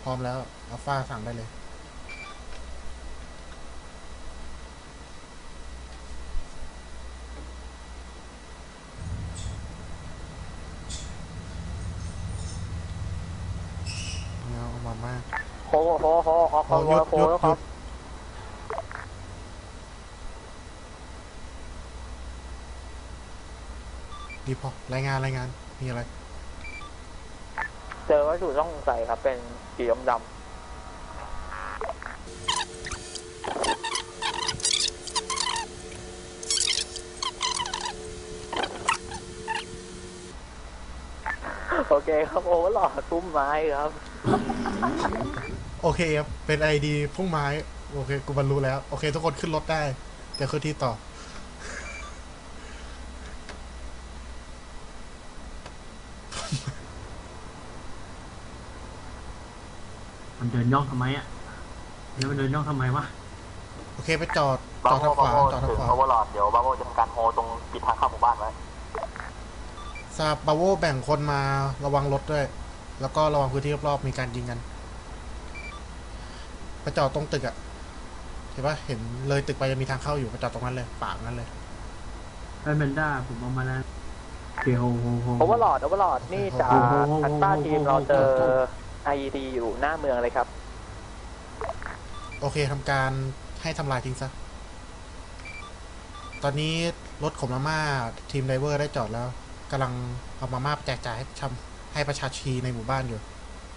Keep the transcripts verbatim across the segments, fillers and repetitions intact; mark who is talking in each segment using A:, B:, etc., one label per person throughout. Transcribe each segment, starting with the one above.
A: ร้อมแล้วอัลฟาสั่งได้เลยเงาเอามามาก
B: โคโคโคออกคอนวอยโคแล้วครับ
A: ดีพอรายงานรายงานมีอะไร
B: เจอวัตถุต้องสงสัยครับเป็นสีดำโอเคครับโอ้หลอดตุ้มไม้ครับ
A: โอเคครับเป็นไอดีพุ่งไม้โอเคกูบรรลุแล้วโอเคทุกคนขึ้นรถได้เดี๋ยวขึ้นที่ต่อ
C: มันเดินย่องทำไมอ่ะแล้วมันเดินย่องทำไมวะ
A: โอเคไปจอดจอดทางขวาจอดทางขวา
B: โอเวอร์ลอดเดี๋ยวบาโวจะทำการโฮตรงปิดทางเข้าหมู่บ้านไว้
A: ซาบาโวแบ่งคนมาระวังรถด้วยแล้วก็ระวังพื้นที่รอบๆมีการยิงกันไปจอดตรงตึกอะเห็นปะเห็นเลยตึกไปจะมีทางเข้าอยู่ไปจอดตรงนั้นเลยปากนั้นเลย
C: ไอ้เบนด้าผมเอามาแล้วเกียวโฮโฮ
B: โอเวอร์ลอดโอเวอร์ลอดนี่จากทันต้าทีมเราเจอ ไอ อี ดี อยู่หน้าเมืองเลยครับ
A: โอเคทำการให้ทำลายทิ้งซะตอนนี้รถขนมาม่าทีมไดเวอร์ได้จอดแล้วกำลังเอามาม่าแจกจ่ายให้ชำให้ประชาชนในหมู่บ้านอยู่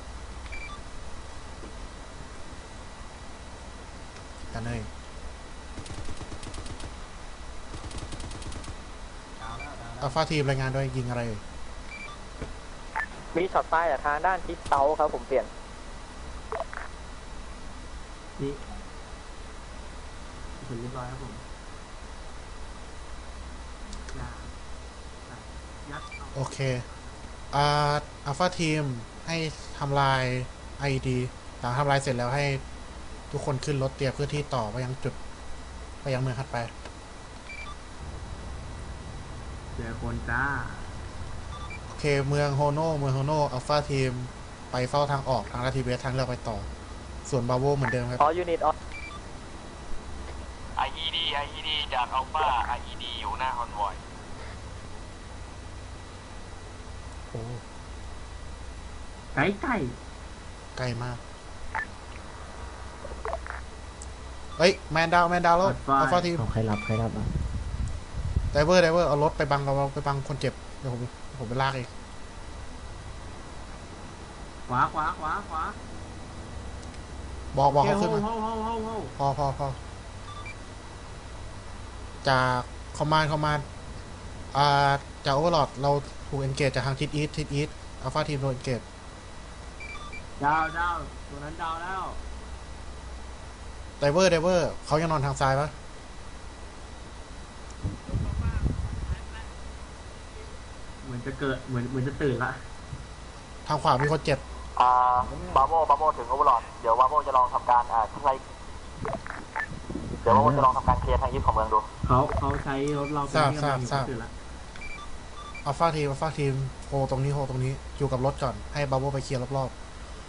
A: กันเลยอัลฟาทีมรายงานด้วยยิงอะไร
B: มีช็อตใต้จากทางด้านทิศเซาครับผมเปลี่ยน
C: นี่เสร็จเรียบร้อยครับผม
A: โอเคอ่าอัลฟาทีมให้ทำลาย ไอ ดี หลังทำลายเสร็จแล้วให้ทุกคนขึ้นรถเตรียมเพื่อที่ต่อไปยังจุดไปยังเมืองถัดไป
C: เจอคนจ้า
A: โอเคเมืองโฮโนเมืองโฮโนอัลฟาทีมไปเฝ้าทางออกทางลาทีเวสทางเลือกไปต่อส่วนบาโวเหมือนเดิมครับ
B: ออยูนิตออ
D: ไอ อี ดี ไอ อี ดี จากอัลฟา ไอ อี ดี อยู่หน้าคอนวอย
A: โอ้
C: ไก่ไก่
A: ใกล้มากเฮ้ยแมนดาวแมนดาวแล้วอัลฟาทีม
E: ใครรับใครรับอ่ะ
A: ไดเวอร์ไดเวอร์เอารถไปบังเอาไปบังคนเจ็บเดี๋ยวผมผมไปลากเอง
C: ขวาขวาขวาขวา
A: บอกบอกเขาขึ้นมาพอพอพอจากคอมมานด์คอมมานด์อ่าจากโอเวอร์ลอดเราถูกเอนเกจจากทางทิศอีสทิศอีสอัลฟาทีมโดนเอนเกจ
C: ดาวดาวตัวนั้นดาวแล้ว
A: ไดเวอร์ไดเวอร์เขายังนอนทางซ้ายปะ
C: เหมือนจะเกิดเหมือนเหมือนจะตื่นละ
A: ทางขวามีคนเจ็บ
B: อ่าบาโวบาโวถึงโอเวอร์ลอดเดี๋ยวบาโวจะลองทำการอ่าใช้เดี๋ยวบาโวจะลองทำการเคลียร์ทางยึดของเมืองดู
C: เขาเขาใช้รถเรา
A: ทราบทราบทราบอัลฟาทีมอัลฟาทีมโฮตรงนี้โฮตรงนี้อยู่กับรถก่อนให้บาโวไปเคลียร์รอบ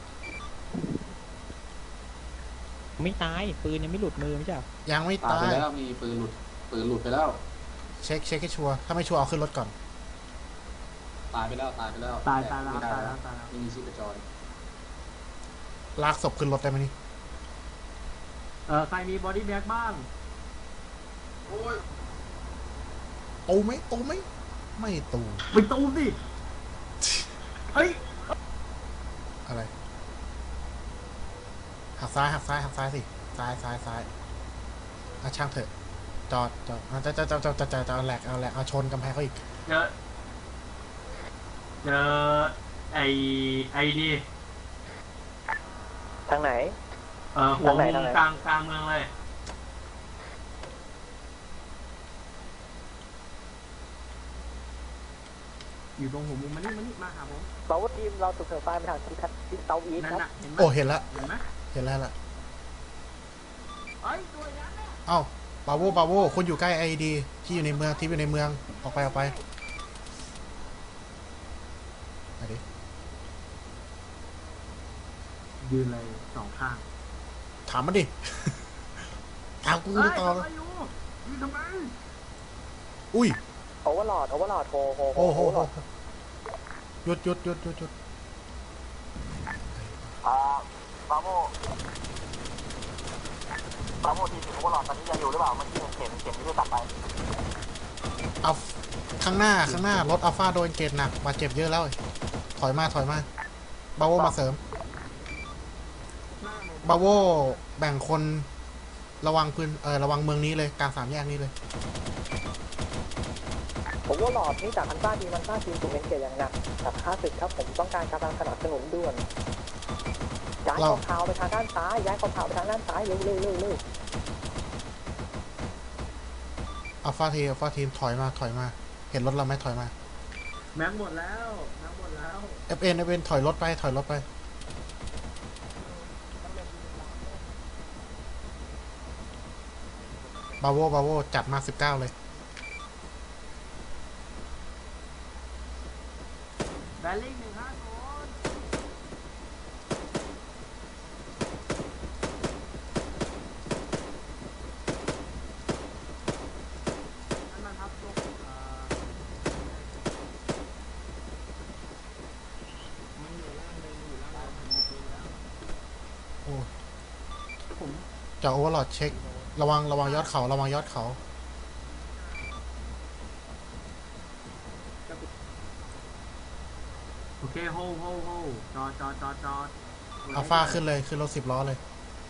E: ๆไม่ตายปืนยังไม่หลุดมือไม่ใช่
A: ยังไม่ตาย
F: ไปแล้วมีปืนหลุดปืนหลุดไปแล้ว
A: เช็คเช็คให้ชัวร์ถ้าไม่ชัวร์เอาขึ้นรถก่อน
F: ตายไปแล้วตายไปแล้ว
C: ตายตายแล้วตายแล้วตายแล้ว
F: ไม่มีชีพจร
A: ลากศพขึ้นรถได้ไหมนี่
C: เออใครมีบอดี้แบ็กบ้าง
F: โอ้ย
A: ตูไหมตูไหมไม่ตู
C: ไม่ตูสิเฮ้ย
A: อะไรหักซ้ายหักซ้ายหักซ้ายสิซ้ายซ้ายซ้ายอ่ะช่างเถอะจอดจอดจะจะจะจะจะจะจะเอาแหลกเอาแหลกเอาชนกำแพงเขาอีก
C: เจอเจอไอไอดี
B: ทางไหน
C: เออหัวมุมกลางกลางเมืองเลยอยู่ตรงหัวมุมมันนี่มันนี่มาหาผม
B: บาโวทีมเราถูกเถิดไฟไปทางทิศทิศเซาอีสครับ
A: โอ้เห็นแล้ว
C: เห็นไหม
A: เห็นแล้วล่ะ
C: เอ้ยตัวนั้นเนี่ย
A: เอ้าบาโวบาโวคุณอยู่ใกล้ไอดีที่อยู่ในเมืองที่อยู่ในเมืองออกไปออกไปไปดิ
C: ยืนเลยสองข้าง
A: ถามมันดิ ถามกู
C: เฮ้ย
A: ต่อ
C: ทำไมอยู่ยืนทำไม
A: อุ้ย
B: โอเวอร์ลอดโอเวอร์ลอดโฮโฮ
A: โอ้โหหยุดหยุดหยุดหยุดหยุด
B: อ่าบาโมบาโมทีถึงโอเวอร์ลอดตอนนี้ยังอยู่หรือเปล่าเมื่อกี้เห็นเห็นเห็นที่เพิ่งตัดไป
A: เอาข้างหน้าข้างหน้ารถอัลฟาโดนเกตหนักบาดเจ็บเยอะแล้ว ถอยมาถอยมาบาโวมาเสริมบาโวแบ่งคนระวังพื้นเออระวังเมืองนี้เลยกลางสามแยกนี้เลย
B: ผมว่าหลอดนี่จากอันต้าดีมันต้าทีมถูกเอ็นเกตอย่างหนักกับค่าศึกครับผมต้องการกำลังสนับสนุนด่วนย้ายกองเท้าไปทางด้านซ้ายย้ายกองเท้าไปทางด้านซ้ายเร็วเร็วเร็วเร็ว
A: อัลฟาทีมอัลฟาทีมถอยมาถอยมา เห็นรถเราไหมถอยมา
C: แม็กหมดแล้วแม็กหมดแล้ว
A: เอฟเอ็นเอฟเอ็นถอยรถไปถอยรถไปบาโวบาโวจัดมาสิบเก้าเลย
C: แบลลิงหนึ่งห้าศูนย์นั่นมันทับตรงเอ่อ
E: มันอยู่ล่างเลยอยู่ล่างเลยมันมีปืนแล้ว
A: โอ้
C: ผม
A: จะโอเวอร์ลอดเช็ค ระวังระวังยอดเขาระวังยอดเขา
C: โอเคโฮโฮโฮจอดจอดจอดจอด
A: อัลฟาขึ้นเลยขึ้นรถสิบล้อเลย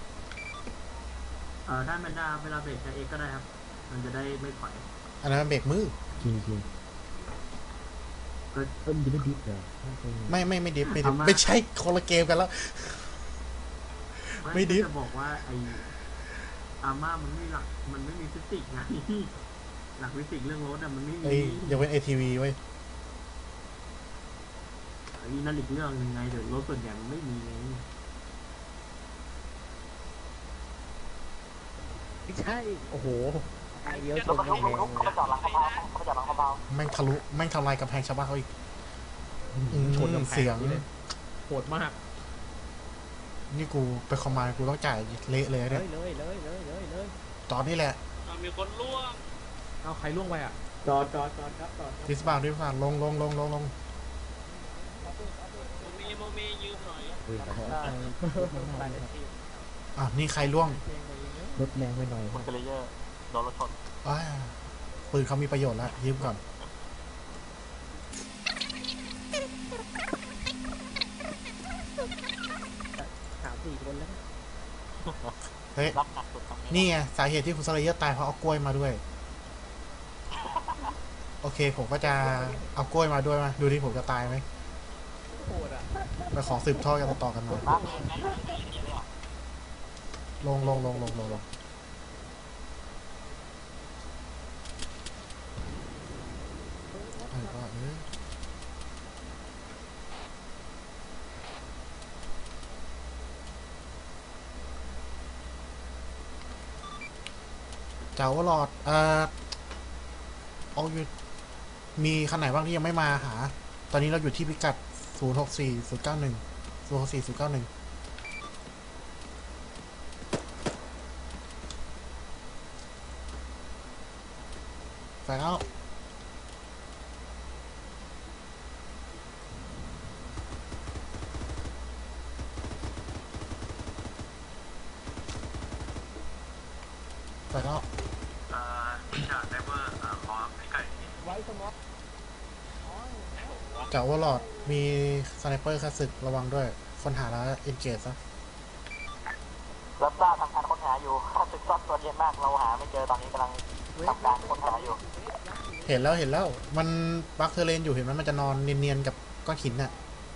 C: เอ่อท่านแมนดาเวลาเบรกจะเอ็กก็ได้ครับ มันจะได้ไม่ถอย
A: อันนั้นมันเบรกมือ
E: จริงจริง
C: ก็
E: เพิ่มดิบดิบเหรอ
A: ไม่ไม่ไม่ดิฟไม่ดิฟ
C: เอามา
A: ไม่ใช่คนละเกมกันแล้ว ไม่ดิฟ
C: จะบอกว่าไออาม่ามันไม่หลักมันไม่มีฟิสิกส์ไง หลักฟิสิกส์เรื่องรถอะมันไม่มี
A: ไอ้ยกเว้น เอ ที วี ไว้ย
C: อันนี้นั่นอีกเรื่องหนึ่งไงเดี๋ยวรถส่วนใหญ่มันไม่มีไง
E: ไม่ใช่ โอ้โหไอเดียวช
B: รถ
E: น
B: บรรทุก
E: แร
B: รถบรรทุก
E: ง
B: เขาไปจอดหลังเขาเบาเขาไปจอดหลังเขาเบา
A: แม่งทะลุแม่งทำลายกำแพงชาวบ้านเขาอีก อืม
E: ชนกับแพ
A: เสียง
E: นี่เลยโหดมาก
A: นี่กูไปคอมมานด์กูต้องจ่ายเละเลย
E: เล
A: เนี่ย
E: ยเลยเลยเลยเลยเลย
A: ตอนนี้แหละ
D: มีคนล่วง
E: เอาใครล่วงไปอ่ะ
C: จอดจอดจอดครับจอด
A: ดิสบาวดิสบาวลงลงลงลงลง
D: โมมีโมมียืมหน่อย
E: ปืนขอโทษ
A: อ่ะนี่ใครล่วง
E: รถแรงไปหน่อย
B: คุณเกลเยอร์โดนรถชน
A: อ้าวปืนเขามีประโยชน์แล้วยืมก่อน
E: สามสี่คนแล้ว
A: เฮ้ย
B: รับหนักสุดตรงนี้
A: นี่ไงสาเหตุที่คุณสเลเยอร์ตายเพราะเอากล้วยมาด้วย โอเคผมก็จะเอากล้วยมาด้วยมาดูที่ผมจะตายไหม
E: โหดอ่ะ
A: ไปขอสืบทอดกันต่อๆกันมา
B: นะ
A: ลงลงลงลงลงลงเออก็เออเจ้าหลอดเอ่อเอาอยู่มีคันไหนบ้างที่ยังไม่มาหา ตอนนี้เราอยู่ที่พิกัด ศูนย์หกสี่ ศูนย์เก้าหนึ่ง ศูนย์หกสี่ ศูนย์เก้าหนึ่ง ไปแล้วไปแล้ว
D: เอ่อจากไดเวอร์ขอพิกัด
A: จากว่าหลอดมีสไนเปอร์ค่าศึกระวังด้วย คนหาแล้วเอ็นเกจซะ
B: รับทราบทำการค้นหาอยู่ข้าศึกซ่อนตัวเย็นมากเราหาไม่เจอตอนนี้กำลังทำการค้นหาอยู่
A: เห็นแล้วเห็นแล้ว มันบักเทอร์เลนอยู่เห็นไหมมันจะนอนเนียนๆกับก้อนหินน่ะ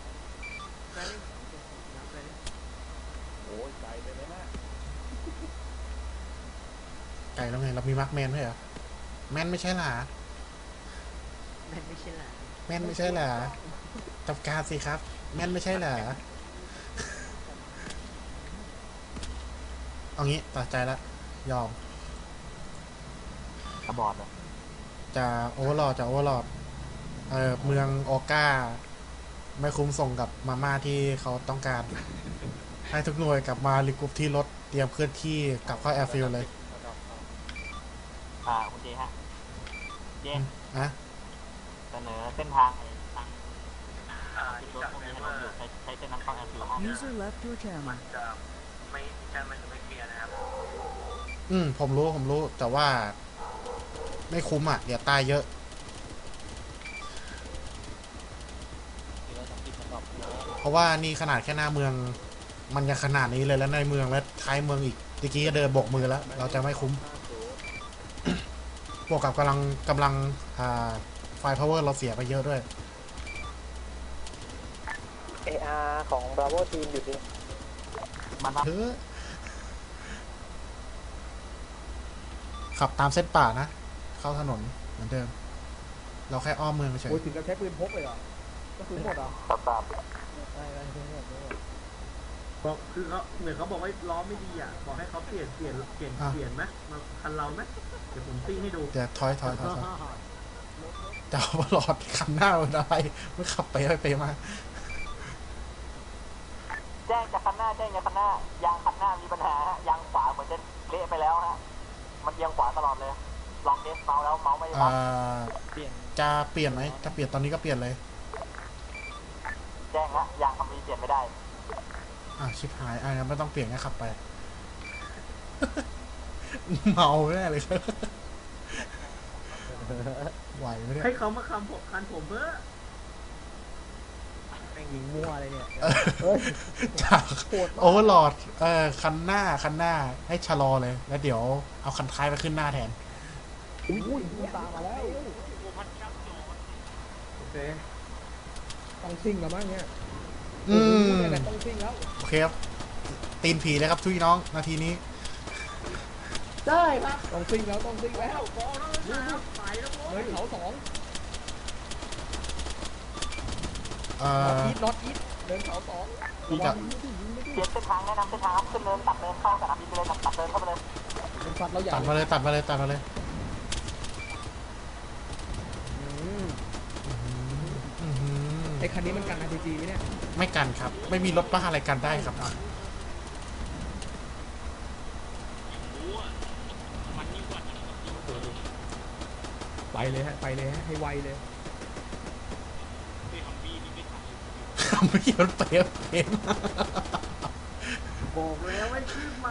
A: ไก่แล้วไง เรามีมาร์คแมนด้วยเหรอ แมนไม่ใช่หรอ
E: แม่งไม่ใช่ละ
A: แมนไม่ใช่เหรอจับการสิครับ แมนไม่ใช่เหรอ เอางี้ตัดใจแล้วยอม
B: กระบอดเลย
A: จะโอเวอร์ลอดจะโอเวอร์ลอดเออเมืองออก้า ไม่คุ้มส่งกับมาม่าที่เขาต้องการให้ทุกหน่วยกลับมารีกรุ๊ปที่รถเตรียมเคลื่อนที่กลับเข้าแอร์ฟิลด์เลย
D: อ่าคุณเจฮะเจ
A: นะ
D: เสนอเส้นทางไอ้ทางอ่าที่รถพวกนี้ให้เราอยู่ใช้ใช้เส้นนั้นเข้าแอร์ฟิลด์ห้อง
G: User left your channel.
D: ไม่ใช่มันจะไม่เคลียร์นะครับ
A: อืมผมรู้ผมรู้แต่ว่า ไม่คุ้มอ่ะ เดี๋ยวตายเยอะ เพราะว่านี่ขนาดแค่หน้าเมือง มันยังขนาดนี้เลยแล้วในเมืองและท้ายเมืองอีกตะกี้ก็เดินบกมือแล้ว เราจะไม่คุ้ม บวกกับกำลังกำลังอ่าไฟพาวเวอร์เราเสียไปเยอะด้วย
B: เออาร์ของ Bravo Team อยู่ที่
D: มันรับ
A: เฮ้อขับตามเส้นป่านะ เข้าถนนเหมือนเดิม เราแค่อ้อมเมืองเฉย
H: โอ้ยถึงกับใช้ปืนพกเลยเหรอก็ปืนหมดเหรอ
D: ตับตับ
H: ได้ได้ปืนหมดปืนหมด
C: บอกคือเขาเหมือนเขาบอกว่าล้อไม่ดีอ่ะบอกให้เขาเปลี่ยนเปลี่ยนเปลี่ยนเปลี่ยนไหมมาคันเราไหมเดี๋ยวผมตีให้ดู
A: เดี๋ยวถอยถอยถอยถอยจะเอาหลอดคันหน้าเป็นอะไรไม่ขับไปไปไปมา
D: แจ้งจากคันหน้าแจ้งจากคันหน้ายางคันหน้ามีปัญหาฮะยางขวาเหมือนจะเละไปแล้วฮะมันเอียงขวาตลอดเลยลองเทสเมาส์แล้วเมาส์ไม่
A: อ่
D: รับ
A: าจะเปลี่ยนไหมจะเปลี่ยนตอนนี้ก็เปลี่ยนเลย
D: แจ้งฮะยางคันนี้เปลี่ยนไม่ได้
A: อ่ะชิบหายอ่ะงั้นไม่ต้องเปลี่ยนงั้นขับไป เมาแน่เลยไหวไหมเนี่ย
C: ให้เขามาคำผมคันผมเพื่อ
H: แม่งยิงมั่วเลยเนี่ย
A: จากโอเวอร์ลอดเออคันหน้าคันหน้าให้ชะลอเลย แล้วเดี๋ยวเอาคันท้ายไปขึ้นหน้าแทน
H: อุ้ยมันตามมาแล้ว
C: โอเค
H: ต้องซิ่งแล้วมั้งเนี่ย
A: อืม
H: โอ้โหเนี่ยต้องซิ่งแล้ว
A: โอเคครับตีนผีเลยครับทุกน้องนาทีนี้
H: ได้ครับต้องซิ่งแล้วต้องซิ่งแล้ว
C: บอลแล้วนะครับไปแล้วโว้
H: เลย ยเขาสอง
A: เอ่
H: น็อต
A: อ
H: อีทน็อตอีทเดินเขาสอง
A: อีทอะ
D: เปลี่ยนเส้นทางแนะนำเส้นทางครับขึ้นเนินตัดเนินเข้าสนามบินไปเลยตัดเนินเข้าไปเลย
H: เป็นฟัดเราใหญ่
A: ตัดมาเลยตัดมาเลยตัดมาเลย
H: อืม
A: อื้อหือ
H: ไอ้คันนี้มันกัน อาร์ พี จี ไหมเนี่ย
A: ไม่กันครับ ไม่มีรถบ้าอะไรกันได้ครับ
H: ไปเลยฮะไปเลยฮะให้ไวเลย
A: ไม่เกี่ยวเปรี้ยวเอง
C: บอกแล้วไม่ขึ้นมา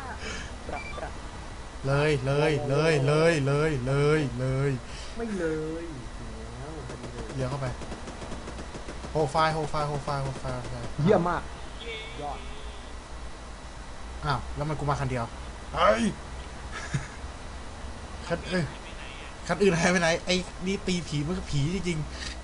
A: เลยเลยเลยเลยเลยเลยเลย
C: ไม่เลยแล้วพอดีเลย
A: เลี้ยวเข้าไปโฮไฟล์โฮไฟล์โฮไฟล์โฮไฟล์
H: เยี่ยมมากยอด
A: อ้าวแล้วมันกูมาคันเดียวเฮ้ยคันเอ้ยคันอื่นหายไปไหนไอ้นี่ตีผีมันก็ผีจริงๆ